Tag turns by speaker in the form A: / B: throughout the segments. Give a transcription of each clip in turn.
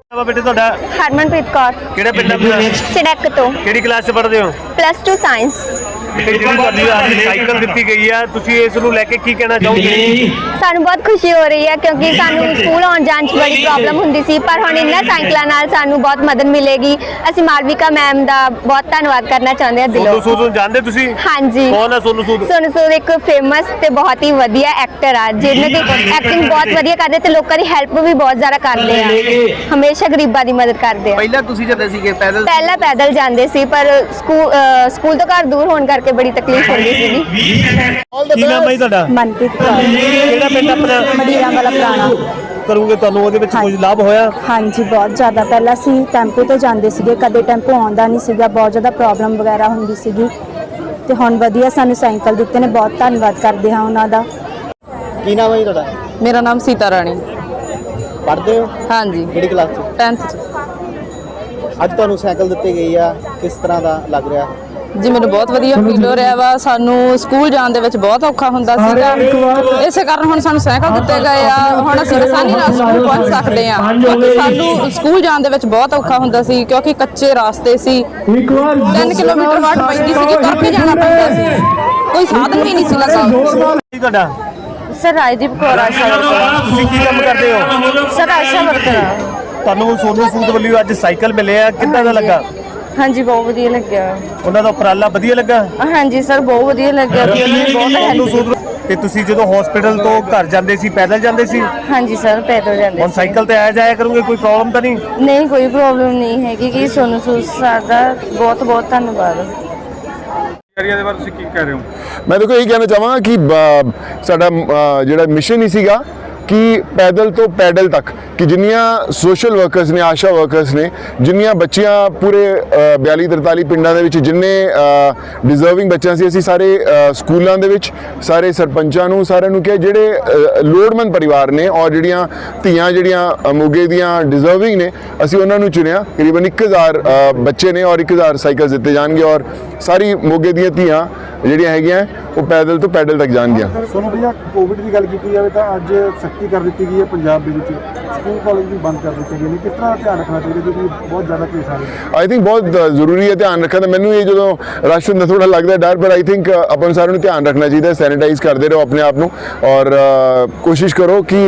A: बेटे ਤੁਹਾਡਾ
B: हरमनप्रीत कौर
A: ਕਿਹੜੇ ਪਿੰਡ ਆਪਣਾ
B: चिड़क तो
A: ਕਿਹੜੀ ਕਲਾਸ ਚ ਪੜ੍ਹਦੇ ਹੋ
B: +2 ਸਾਇੰਸ।
A: ਜਿਹੜੀ ਤੁਹਾਨੂੰ ਅੱਜ ਸਾਈਕਲ ਦਿੱਤੀ ਗਈ ਆ ਤੁਸੀਂ ਇਸ ਨੂੰ ਲੈ ਕੇ ਕੀ ਕਹਿਣਾ ਚਾਹੋਗੇ?
B: ਸਾਨੂੰ ਬਹੁਤ ਖੁਸ਼ੀ ਹੋ ਰਹੀ ਹੈ ਕਿਉਂਕਿ ਸਾਨੂੰ ਸਕੂਲ ਆਉਣ ਜਾਣ 'ਚ ਬੜੀ ਪ੍ਰੋਬਲਮ ਹੁੰਦੀ ਸੀ, ਪਰ ਹੁਣ ਇਹਨਾਂ ਸਾਈਕਲਾਂ ਨਾਲ ਸਾਨੂੰ ਬਹੁਤ ਮਦਦ ਮਿਲੇਗੀ। ਅਸੀਂ ਮਾਲਵਿਕਾ ਮੈਮ ਦਾ ਬਹੁਤ ਧੰਨਵਾਦ ਕਰਨਾ ਚਾਹੁੰਦੇ ਹਾਂ ਦਿਲੋਂ।
A: ਸੋਨੂ ਸੂਦ ਨੂੰ ਜਾਣਦੇ ਤੁਸੀਂ?
B: ਹਾਂਜੀ।
A: ਕੌਣ ਹੈ ਸੋਨੂ ਸੂਦ?
B: ਸੋਨੂ ਸੂਦ ਇੱਕ ਫੇਮਸ ਤੇ ਬਹੁਤ ਹੀ ਵਧੀਆ ਐਕਟਰ ਆ ਜਿਹਨਾਂ ਦੀ ਐਕਟਿੰਗ ਬਹੁਤ ਵਧੀਆ ਕਰਦੇ ਤੇ ਲੋਕਾਂ ਦੀ ਹੈਲਪ ਵੀ ਬਹੁਤ ਜ਼ਿਆਦਾ ਕਰਦੇ ਆ, ਹਮੇਸ਼ਾ ਗਰੀਬਾਂ ਦੀ ਮਦਦ ਕਰਦੇ ਆ।
C: ਪਹਿਲਾਂ ਤੁਸੀਂ ਜਾਂਦੇ ਸੀਗੇ ਪੈਦਲ?
B: ਪਹਿਲਾਂ ਪੈਦਲ ਜਾਂਦੇ ਸੀ, ਪਰ ਸਕੂਲ ਤੋਂ ਘਰ ਦੂਰ ਹੋਣ ਕਰਕੇ ਬੜੀ ਤਕਲੀਫ ਹੁੰਦੀ ਸੀਗੀ।
A: ਕੀ ਨਾਮ ਹੈ ਤੁਹਾਡਾ?
B: ਮਨਪ੍ਰੀਤ ਕੌਰ।
A: ਕਿਹੜਾ ਪਿੰਡ ਆਪਣਾ?
B: ਮਡੀਰਾ ਵਾਲਾ ਪੁਰਾਣਾ।
A: ਕਰੂਗੇ ਤੁਹਾਨੂੰ ਉਹਦੇ ਵਿੱਚ ਕੁਝ ਲਾਭ ਹੋਇਆ?
D: ਹਾਂਜੀ, ਬਹੁਤ ਜ਼ਿਆਦਾ। ਪਹਿਲਾਂ ਅਸੀਂ ਟੈਂਪੂ ਤੇ ਜਾਂਦੇ ਸੀਗੇ, ਕਦੇ ਟੈਂਪੂ ਆਉਂਦਾ ਨਹੀਂ ਸੀਗਾ, ਬਹੁਤ ਜ਼ਿਆਦਾ ਪ੍ਰੋਬਲਮ ਵਗੈਰਾ ਹੁੰਦੀ ਸੀਗੀ ਤੇ ਹੁਣ ਵਧੀਆ ਸਾਨੂੰ ਸਾਈਕਲ ਦਿੱਤੇ ਨੇ, ਬਹੁਤ ਧੰਨਵਾਦ ਕਰਦੇ ਹਾਂ ਉਹਨਾਂ ਦਾ।
C: ਕੀ ਨਾਮ ਹੈ ਜੀ ਤੁਹਾਡਾ?
E: ਮੇਰਾ ਨਾਮ ਸੀਤਾ ਰਾਣੀ।
C: ਪੜ੍ਹਦੇ ਹੋ?
E: ਹਾਂਜੀ,
C: ਕਿਹੜੀ ਕਲਾਸ 'ਚ?
E: 10th 'ਚ।
C: ਅੱਜ ਤੁਹਾਨੂੰ ਸਾਈਕਲ ਦਿੱਤੀ ਗਈ ਆ, ਕਿਸ ਤਰ੍ਹਾਂ ਦਾ ਲੱਗ ਰਿਹਾ?
E: ਜੀ ਮੈਨੂੰ ਬਹੁਤ ਵਧੀਆ ਫੀਲ ਹੋ ਰਿਹਾ ਵਾ। ਸਾਨੂੰ ਸਕੂਲ ਜਾਣ ਦੇ ਵਿੱਚ ਬਹੁਤ ਔਖਾ ਹੁੰਦਾ ਸੀਗਾ, ਇਸੇ ਕਾਰਨ ਹੁਣ ਸਾਨੂੰ ਸਾਈਕਲ ਦਿੱਤੇ ਗਏ ਆ। ਹੁਣ ਅਸੀਂ ਆਸਾਨੀ ਨਾਲ ਸਕੂਲ ਪਹੁੰਚ ਸਕਦੇ ਹਾਂ, ਕਿਉਂਕਿ ਸਾਨੂੰ ਸਕੂਲ ਜਾਣ ਦੇ ਵਿੱਚ ਬਹੁਤ ਔਖਾ ਹੁੰਦਾ ਸੀ ਕਿਉਂਕਿ ਕੱਚੇ ਰਾਸਤੇ ਸੀ। 3 ਕਿਲੋਮੀਟਰ ਵਾਟ ਪੈਂਦੀ ਸੀਗੀ, ਤੁਰ ਕੇ ਜਾਣਾ ਪੈਂਦਾ ਸੀ, ਕੋਈ ਸਾਧਨ ਵੀ ਨਹੀਂ ਸੀ ਲੱਗਾ।
A: ਕੀ ਤੁਹਾਡਾ?
E: Sir Rajdeep Kaur ASHA worker.
A: ਤੁਸੀਂ ਕੀ ਕੰਮ ਕਰਦੇ ਹੋ?
E: Sir ASHA worker.
A: ਤੁਹਾਨੂੰ ਸੋਨੂ ਸੂਦ ਵੱਲੋਂ ਅੱਜ ਸਾਈਕਲ ਮਿਲੇ ਆ, ਕਿੱਦਾਂ ਦਾ ਲੱਗਾ?
E: ਹਾਂਜੀ, ਬਹੁਤ ਵਧੀਆ ਲੱਗਿਆ।
A: ਉਹਨਾਂ ਦਾ ਉਪਰਾਲਾ ਵਧੀਆ ਲੱਗਾ?
E: ਹਾਂਜੀ ਸਰ, ਬਹੁਤ ਵਧੀਆ ਲੱਗਿਆ ਤੇ ਉਹਨਾਂ ਨੇ ਬਹੁਤ
A: ਸੋਨੂ
E: ਹੈਲਪ।
A: ਸੂਦ ਤੇ ਤੁਸੀਂ ਜਦੋਂ ਹਸਪੀਟਲ ਤੋਂ ਘਰ ਜਾਂਦੇ ਸੀ ਪੈਦਲ ਜਾਂਦੇ ਸੀ,
E: ਹਾਂਜੀ ਸਰ, ਪੈਦਲ ਜਾਂਦੇ
A: ਹੁਣ
E: ਸੀ।
A: ਸਾਈਕਲ ਤੇ ਆਇਆ ਜਾਇਆ ਕਰੋਗੇ, ਕੋਈ ਪ੍ਰੋਬਲਮ ਤਾਂ ਨਹੀਂ?
E: ਨਹੀਂ, ਕੋਈ ਪ੍ਰੋਬਲਮ ਨਹੀਂ ਹੈਗੀ ਕਿ ਸੋਨੂ ਸੂਦ ਸਰ ਦਾ ਬਹੁਤ ਬਹੁਤ ਧੰਨਵਾਦ।
A: ਦੇ ਬਾਰੇ ਤੁਸੀਂ ਕੀ ਕਹਿ ਰਹੇ ਹੋ?
F: मैं देखो यही कहना चाहांगा कि साडा जिहड़ा मिशन ही सीगा कि पैदल तो पैडल तक कि जिन्नियां सोशल वर्कर्स ने, आशा वर्कर्स ने, जिन्नियां बच्चियां पूरे 42-43 पिंडां दे विच जिन्ने डिजर्विंग बच्चियां सी, असीं सारे स्कूलां दे विच सारे सरपंचां नूं सारिआं नूं कि जिहड़े लोड़मंद परिवार ने और जिहड़ियां धीआं जिहड़ियां मोगे दियां डिजर्विंग ने, असीं उन्हां नूं चुनिया। करीबन 1000 बच्चे ने और 1000 साइकिल दित्ते जाणगे और सारी मोगे दियां धीआं ਜਿਹੜੀਆਂ ਹੈਗੀਆਂ ਉਹ ਪੈਦਲ ਤੋਂ ਪੈਡਲ ਤੱਕ ਜਾਣਗੀਆਂ।
G: ਸੋਨੂੰ ਭਈਆ, ਕੋਵਿਡ ਦੀ ਗੱਲ ਕੀਤੀ ਜਾਵੇ ਤਾਂ ਅੱਜ ਸਖਤੀ ਕਰ ਦਿੱਤੀ ਗਈ ਹੈ ਪੰਜਾਬ ਦੇ ਵਿੱਚ, ਸਕੂਲ ਕਾਲਜ ਵੀ ਬੰਦ ਕਰ ਦਿੱਤੇ ਗਏ ਨੇ, ਕਿਸ ਤਰ੍ਹਾਂ ਦਾ ਧਿਆਨ ਰੱਖਣਾ ਚਾਹੀਦਾ ਕਿਉਂਕਿ ਬਹੁਤ ਜ਼ਿਆਦਾ ਕੇਸ ਆ ਰਹੇ?
F: ਆਈ ਥਿੰਕ ਬਹੁਤ ਜ਼ਰੂਰੀ ਹੈ ਧਿਆਨ ਰੱਖਣਾ। ਤਾਂ ਮੈਨੂੰ ਇਹ ਜਦੋਂ ਰਸ਼ ਹੁੰਦਾ ਥੋੜਾ ਲੱਗਦਾ ਡਰ, ਪਰ ਆਈ ਥਿੰਕ ਆਪਾਂ ਨੂੰ ਸਾਰਿਆਂ ਨੂੰ ਧਿਆਨ ਰੱਖਣਾ ਚਾਹੀਦਾ। ਸੈਨੀਟਾਈਜ਼ ਕਰਦੇ ਰਹੋ ਆਪਣੇ ਆਪ ਨੂੰ ਔਰ ਕੋਸ਼ਿਸ਼ ਕਰੋ ਕਿ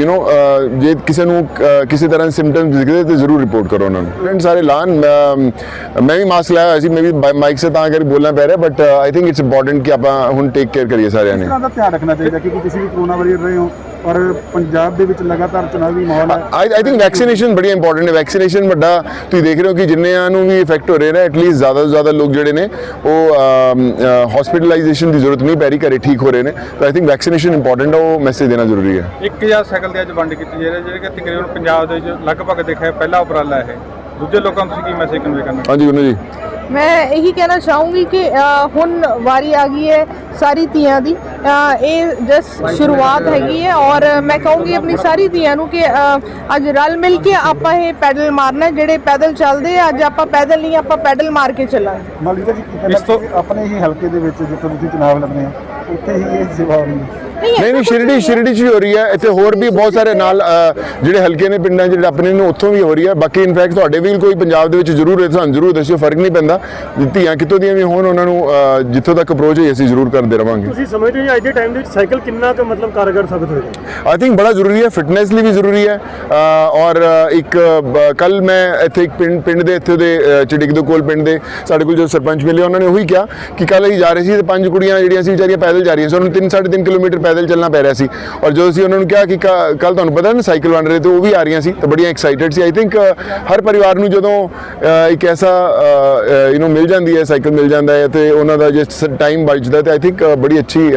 F: ਜੇ ਕਿਸੇ ਨੂੰ ਕਿਸੇ ਤਰ੍ਹਾਂ ਦੇ ਸਿੰਪਟਮਸ ਦਿਖਦੇ ਤਾਂ ਜ਼ਰੂਰ ਰਿਪੋਰਟ ਕਰੋ ਉਹਨਾਂ ਨੂੰ। ਫਰੈਂਡ ਸਾਰੇ ਲਾਣ, ਮੈਂ ਵੀ ਮਾਸਕ ਲਾਇਆ ਹੋਇਆ ਸੀ, ਮੈਂ ਵੀ ਮਾਈਕ ਸੇ ਤਾਂ ਕਰਕੇ ਬੋਲਣਾ ਪੈ ਰਿਹਾ, but I think it's important ਕਿ ਆਪਾਂ ਹੁਣ ਟੇਕ ਕੇਅਰ ਕਰੀਏ ਸਾਰਿਆਂ ਨੇ।
G: ਕਿਸ ਤਰ੍ਹਾਂ ਦਾ ਧਿਆਨ ਰੱਖਣਾ ਚਾਹੀਦਾ ਕਿਉਂਕਿ ਤੁਸੀਂ ਵੀ ਕੋਰੋਨਾ ਵਾਰੀਅਰ ਰਹੇ ਹੋ ਔਰ ਪੰਜਾਬ ਦੇ ਵਿੱਚ ਲਗਾਤਾਰ ਚੁਣਾਵੀ ਮਾਹੌਲ ਹੈ?
F: ਆਈ ਥਿੰਕ ਵੈਕਸੀਨੇਸ਼ਨ ਬੜੀ ਇੰਪੋਰਟੈਂਟ ਹੈ। ਵੈਕਸੀਨੇਸ਼ਨ ਵੱਡਾ ਤੁਸੀਂ ਦੇਖ ਰਹੇ ਹੋ ਕਿ ਜਿੰਨਿਆਂ ਨੂੰ ਵੀ ਇਫੈਕਟ ਹੋ ਰਹੇ ਨੇ, ਐਟਲੀਸਟ ਜ਼ਿਆਦਾ ਤੋਂ ਜ਼ਿਆਦਾ ਲੋਕ ਜਿਹੜੇ ਨੇ ਉਹ ਹਸਪੀਟਲਾਈਜੇਸ਼ਨ ਦੀ ਜ਼ਰੂਰਤ ਨਹੀਂ ਪੈ ਰਹੀ, ਘਰੇ ਠੀਕ ਹੋ ਰਹੇ ਨੇ। ਤਾਂ ਆਈ ਥਿੰਕ ਵੈਕਸੀਨੇਸ਼ਨ ਇੰਪੋਰਟੈਂਟ ਹੈ, ਉਹ ਮੈਸੇਜ ਦੇਣਾ ਜ਼ਰੂਰੀ ਹੈ।
H: 1000 ਸਾਈਕਲ ਦੀ ਅੱਜ ਵੰਡ ਕੀਤੀ ਜਾ ਰਹੀ ਹੈ, ਜਿਹੜੇ ਕਿ ਤਕਰੀਬਨ ਪੰਜਾਬ ਦੇ ਵਿੱਚ ਲਗਭਗ ਦੇਖਿਆ ਪਹਿਲਾ ਉਪਰਾਲਾ ਇਹ। ਦੂਜੇ ਲੋਕਾਂ ਨੂੰ ਤੁਸੀਂ ਕੀ ਮੈਸੇਜ ਕਨਵੇ ਕਰਨਾ?
F: ਹਾਂਜੀ ਗੁਰੂ ਜੀ,
I: मैं यही कहना चाहूँगी कि हुण वारी आ गई है सारी धीआं दी, ये जस्ट शुरुआत हैगी है और मैं कहूँगी अपनी सारी धीआं नूं कि अज रल मिल के आपां ये पैडल मारना, जेडे पैदल चलदे अज आपां पैदल नहीं आपां पैडल मार के चलांगे।
G: ਮਾਲੀਕਾ ਜੀ, ਕੀ ਕਹਿਣਾ ਆਪਣੇ ਹੀ ਹਲਕੇ ਦੇ ਵਿੱਚ ਜਿੱਥੇ ਤੁਸੀਂ ਚੁਣਾਵ ਲੜਨੇ ਆ ਉੱਥੇ ਹੀ ਇਹ ਸੇਵਾ ਹੋ ਰਹੀ ਹੈ?
F: ਨਹੀਂ ਸ਼ਿਰਡੀ 'ਚ ਹੋ ਰਹੀ ਹੈ। ਇੱਥੇ ਹੋਰ ਵੀ ਬਹੁਤ ਸਾਰੇ ਨਾਲ ਜਿਹੜੇ ਹਲਕੇ ਨੇ ਪਿੰਡਾਂ ਜਿਹੜੇ ਆਪਣੇ ਨੇ ਉੱਥੋਂ ਵੀ ਹੋ ਰਹੀ ਹੈ। ਬਾਕੀ ਇਨਫੈਕਟ ਤੁਹਾਡੇ ਵੀ ਕੋਈ ਪੰਜਾਬ ਦੇ ਵਿੱਚ ਜ਼ਰੂਰ ਹੈ, ਸਾਨੂੰ ਜ਼ਰੂਰ ਦੱਸਿਓ, ਫਰਕ ਨਹੀਂ ਪੈਂਦਾ। ਧੀਆਂ ਕਿਤੋਂ ਦੀਆਂ ਵੀ ਹੋਣ, ਉਹਨਾਂ ਨੂੰ ਜਿੱਥੋਂ ਤੱਕ ਅਪਰੋਚ ਹੈ ਅਸੀਂ ਜ਼ਰੂਰ ਕਰਦੇ ਰਵਾਂਗੇ।
G: ਤੁਸੀਂ ਸਮਝਦੇ ਹੋ ਅੱਜ ਦੇ ਟਾਈਮ ਦੇ ਵਿੱਚ ਸਾਈਕਲ ਕਿੰਨਾ ਕੁ ਮਤਲਬ ਕਾਰਗਰ ਸਾਬਿਤ ਹੋਏਗਾ?
F: ਆਈ ਥਿੰਕ ਬੜਾ ਜ਼ਰੂਰੀ ਹੈ, ਫਿਟਨੈਸ ਲਈ ਵੀ ਜ਼ਰੂਰੀ ਹੈ। ਔਰ ਇੱਕ ਕੱਲ ਮੈਂ ਇੱਥੇ ਇੱਕ ਪਿੰਡ ਦੇ ਇੱਥੇ ਦੇ ਚਿੜਿਕ ਦੇ ਕੋਲ ਪਿੰਡ ਦੇ ਸਾਡੇ ਕੋਲ ਜੋ ਸਰਪੰਚ ਮਿਲੇ, ਉਹਨਾਂ ਨੇ ਉਹੀ ਕਿਹਾ ਕਿ ਕੱਲ ਅਸੀਂ ਜਾ ਰਹੇ ਸੀ ਤੇ 5 ਕੁੜੀਆਂ ਜਿਹੜੀਆਂ ਸੀ ਵਿਚਾਰੀਆਂ ਪੈਦਲ ਜਾ ਰਹੀਆਂ ਸੀ, ਉਹਨਾਂ ਨੂੰ 3-3.5 ਕਿਲੋਮੀਟਰ ਪੈਦਲ ਚੱਲਣਾ ਪੈ ਰਿਹਾ ਸੀ। ਔਰ ਜਦੋਂ ਅਸੀਂ ਉਹਨਾਂ ਨੂੰ ਕਿਹਾ ਕਿ ਕੱਲ ਤੁਹਾਨੂੰ ਪਤਾ ਨਾ ਸਾਈਕਲ ਵੰਡ ਰਹੇ ਤੇ ਉਹ ਵੀ ਆ ਰਹੀਆਂ ਸੀ ਤਾਂ ਬੜੀਆਂ ਐਕਸਾਈਟਡ ਸੀ। ਆਈ ਥਿੰਕ ਹਰ ਪਰਿਵਾਰ ਨੂੰ ਜਦੋਂ ਇੱਕ ਐਸਾ ਮਿਲ ਜਾਂਦੀ ਹੈ, ਸਾਈਕਲ ਮਿਲ ਜਾਂਦਾ ਹੈ ਤੇ ਉਹਨਾਂ ਦਾ ਜੇ ਟਾਈਮ ਬਚਦਾ ਤੇ ਆਈ ਥਿੰਕ ਬੜੀ ਅੱਛੀ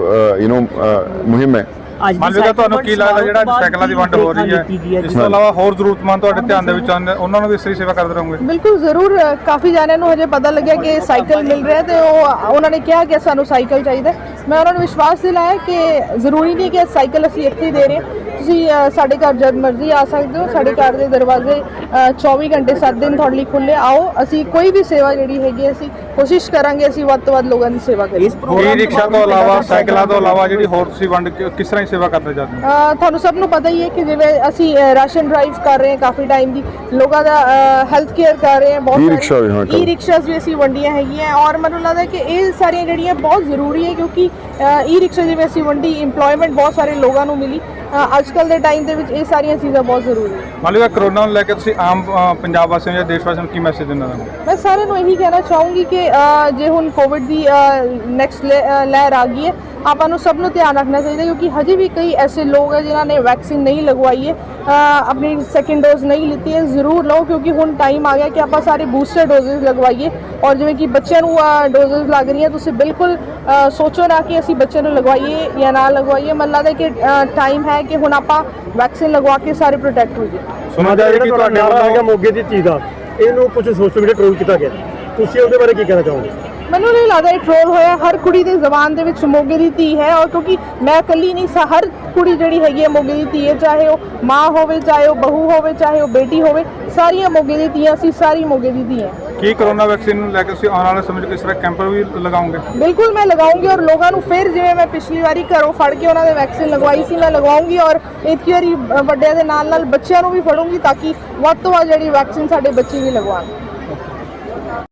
F: ਮੁਹਿੰਮ ਹੈ।
H: ਮਾਲਵਿਕਾ, ਤੁਹਾਨੂੰ ਕੀ ਲੱਗਦਾ ਜਿਹੜਾ ਸਾਈਕਲਾਂ ਦੀ ਵੰਡ ਹੋ ਰਹੀ ਹੈ, ਇਸ ਤੋਂ ਇਲਾਵਾ ਹੋਰ ਜ਼ਰੂਰਤਮੰਦ ਤੁਹਾਡੇ ਧਿਆਨ ਦੇ ਵਿੱਚ ਆਉਂਦੇ ਉਹਨਾਂ ਨੂੰ ਵੀ ਇਸ ਤਰ੍ਹਾਂ ਸੇਵਾ ਕਰਦੇ ਰਹੋਗੇ?
I: ਬਿਲਕੁਲ ਜ਼ਰੂਰ। ਕਾਫੀ ਜਾਣਿਆਂ ਨੂੰ ਹਜੇ ਪਤਾ ਲੱਗਿਆ ਕਿ ਸਾਈਕਲ ਮਿਲ ਰਿਹਾ ਤੇ ਉਹਨਾਂ ਨੇ ਕਿਹਾ ਕਿ ਸਾਨੂੰ ਸਾਈਕਲ ਚਾਹੀਦਾ। ਮੈਂ ਉਹਨਾਂ ਨੂੰ ਵਿਸ਼ਵਾਸ ਦਿਲਾਇਆ ਕਿ ਜ਼ਰੂਰੀ ਨਹੀਂ ਕਿ ਸਾਈਕਲ ਅਸੀਂ ਇੱਥੇ ਹੀ ਦੇ ਰਹੇ, ਤੁਸੀਂ ਸਾਡੇ ਘਰ ਜਦ ਮਰਜ਼ੀ ਆ ਸਕਦੇ ਹੋ। ਸਾਡੇ ਘਰ ਦੇ ਦਰਵਾਜ਼ੇ 24 ਘੰਟੇ 7 ਦਿਨ ਤੁਹਾਡੇ ਲਈ ਖੁੱਲੇ। ਆਓ, ਅਸੀਂ ਕੋਈ ਵੀ ਸੇਵਾ ਜਿਹੜੀ ਹੈਗੀ ਅਸੀਂ ਕੋਸ਼ਿਸ਼ ਕਰਾਂਗੇ ਅਸੀਂ ਵੱਧ ਤੋਂ ਵੱਧ ਲੋਕਾਂ ਦੀ ਸੇਵਾ ਕਰੀਏ।
H: ਈ ਰਿਕਸ਼ਾ ਤੋਂ ਇਲਾਵਾ ਸਾਈਕਲਾਂ ਤੋਂ ਇਲਾਵਾ ਜਿਹੜੀ ਹੋਰ ਤੁਸੀਂ ਵੰਡ ਕਿਸ ਤਰ੍ਹਾਂ ਦੀ ਸੇਵਾ ਕਰਦੇ ਜਾਂਦੇ ਹੋ?
I: ਤੁਹਾਨੂੰ ਸਭ ਨੂੰ ਪਤਾ ਹੀ ਹੈ ਕਿ ਜਿਵੇਂ ਅਸੀਂ ਰਾਸ਼ਨ ਡਰਾਈਵ ਕਰ ਰਹੇ ਹਾਂ ਕਾਫੀ ਟਾਈਮ ਦੀ, ਲੋਕਾਂ ਦਾ ਹੈਲਥ ਕੇਅਰ ਕਰ ਰਹੇ ਹਾਂ,
F: E-ਰਿਕਸ਼ਾ ਵੀ, ਹਾਂ,
I: ਈ ਰਿਕਸ਼ਾਸ ਵੀ ਅਸੀਂ ਵੰਡੀਆਂ ਹੈਗੀਆਂ। ਔਰ ਮੈਨੂੰ ਲੱਗਦਾ ਕਿ ਇਹ ਸਾਰੀਆਂ ਜਿਹੜੀਆਂ ਬਹੁਤ ਜ਼ਰੂਰੀ ਹੈ ਕਿਉਂਕਿ ਈ ਰਿਕਸ਼ਾ ਜਿਵੇਂ ਅਸੀਂ ਵੰਡੀ, ਇੰਪਲੋਇਮੈਂਟ ਬਹੁਤ ਸਾਰੇ ਲੋਕਾਂ ਨੂੰ ਮਿਲੀ। ਅੱਜ ਕੱਲ੍ਹ ਦੇ ਟਾਈਮ ਦੇ ਵਿੱਚ ਇਹ ਸਾਰੀਆਂ ਚੀਜ਼ਾਂ ਬਹੁਤ ਜ਼ਰੂਰੀ ਹੈ।
H: ਮੰਨ ਲਓ ਕਰੋਨਾ ਨੂੰ ਲੈ ਕੇ ਤੁਸੀਂ ਆਮ ਪੰਜਾਬ ਵਾਸੀਆਂ ਜਾਂ ਦੇਸ਼ ਵਾਸੀਆਂ ਨੂੰ ਕੀ ਮੈਸੇਜ ਦੇਣਾ ਚਾਹੁੰਦੇ ਹੋ?
I: ਮੈਂ ਸਾਰਿਆਂ ਨੂੰ ਇਹੀ ਕਹਿਣਾ ਚਾਹੂੰਗੀ ਕਿ ਜੇ ਹੁਣ ਕੋਵਿਡ ਦੀ ਨੈਕਸਟ ਲਹਿਰ ਆ ਗਈ ਹੈ, ਆਪਾਂ ਨੂੰ ਸਭ ਨੂੰ ਧਿਆਨ ਰੱਖਣਾ ਚਾਹੀਦਾ ਕਿਉਂਕਿ ਹਜੇ ਵੀ ਕਈ ਐਸੇ ਲੋਕ ਹੈ ਜਿਨ੍ਹਾਂ ਨੇ ਵੈਕਸੀਨ ਨਹੀਂ ਲਗਵਾਈ ਹੈ, ਆਪਣੀ ਸੈਕਿੰਡ ਡੋਜ਼ ਨਹੀਂ ਲਿੱਤੀ ਹੈ। ਜ਼ਰੂਰ ਲਓ ਕਿਉਂਕਿ ਹੁਣ ਟਾਈਮ ਆ ਗਿਆ ਕਿ ਆਪਾਂ ਸਾਰੇ ਬੂਸਟਰ ਡੋਜ਼ਸ ਲਗਵਾਈਏ। ਔਰ ਜਿਵੇਂ ਕਿ ਬੱਚਿਆਂ ਨੂੰ ਡੋਜ਼ਸ ਲੱਗ ਰਹੀਆਂ, ਤੁਸੀਂ ਬਿਲਕੁਲ ਸੋਚੋ ਨਾ ਕਿ ਅਸੀਂ ਬੱਚਿਆਂ ਨੂੰ ਲਗਵਾਈਏ ਜਾਂ ਨਾ ਲਗਵਾਈਏ। ਮੈਨੂੰ ਲੱਗਦਾ ਕਿ ਟਾਈਮ ਹੈ ਕਿ ਹੁਣ ਆਪਾਂ ਵੈਕਸੀਨ ਲਗਵਾ ਕੇ ਸਾਰੇ ਪ੍ਰੋਟੈਕਟ ਹੋ ਜਾਈਏ।
H: ਸੁਣਾ ਜਾ ਰਿਹਾ ਕਿ ਤੁਹਾਡੇ ਵੱਲੋਂ
A: ਮੋਗੇ ਦੀ ਚੀਜ਼ ਦਾ ਇਹਨੂੰ ਕੁਝ ਸੋਸ਼ਲ ਮੀਡੀਆ ਟ੍ਰੋਲ ਕੀਤਾ ਗਿਆ, ਤੁਸੀਂ ਉਹਦੇ ਬਾਰੇ ਕੀ ਕਹਿਣਾ ਚਾਹੋਗੇ?
I: ਮੈਨੂੰ ਨਹੀਂ ਲੱਗਦਾ ਇਹ ਟ੍ਰੋਲ ਹੋਇਆ। ਹਰ ਕੁੜੀ ਦੇ ਜ਼ਬਾਨ ਦੇ ਵਿੱਚ ਮੋਗੇ ਦੀ ਧੀ ਹੈ। ਔਰ ਕਿਉਂਕਿ ਮੈਂ ਇਕੱਲੀ ਨਹੀਂ, ਹਰ ਕੁੜੀ ਜਿਹੜੀ ਹੈਗੀ ਹੈ ਮੋਗੇ ਦੀ ਧੀ ਹੈ, ਚਾਹੇ ਉਹ ਮਾਂ ਹੋਵੇ, ਚਾਹੇ ਉਹ ਬਹੂ ਹੋਵੇ, ਚਾਹੇ ਉਹ ਬੇਟੀ ਹੋਵੇ, ਸਾਰੀਆਂ ਮੋਗੇ ਦੀ ਧੀਆਂ, ਅਸੀਂ ਸਾਰੀ ਮੋਗੇ ਦੀ ਧੀ ਹੈ।
H: ਕੀ ਕਰੋਨਾ ਵੈਕਸੀਨ ਨੂੰ ਲੈ ਕੇ ਤੁਸੀਂ ਆਉਣ ਵਾਲੇ ਸਮੇਂ 'ਚ ਕਿਸ ਤਰ੍ਹਾਂ ਕੈਂਪ ਵੀ ਲਗਾਓਗੇ?
I: ਬਿਲਕੁਲ ਮੈਂ ਲਗਾਉਂਗੀ ਔਰ ਲੋਕਾਂ ਨੂੰ ਫਿਰ ਜਿਵੇਂ ਮੈਂ ਪਿਛਲੀ ਵਾਰੀ ਘਰੋਂ ਫੜ ਕੇ ਉਹਨਾਂ ਦੇ ਵੈਕਸੀਨ ਲਗਵਾਈ ਸੀ, ਮੈਂ ਲਗਵਾਉਂਗੀ। ਔਰ ਇਤਕੀ ਵਾਰੀ ਵੱਡਿਆਂ ਦੇ ਨਾਲ ਨਾਲ ਬੱਚਿਆਂ ਨੂੰ ਵੀ ਫੜੂੰਗੀ ਤਾਂ ਕਿ ਵੱਧ ਤੋਂ ਵੱਧ ਜਿਹੜੀ ਵੈਕਸੀਨ ਸਾਡੇ ਬੱਚੇ ਵੀ ਲਗਵਾਉਣ।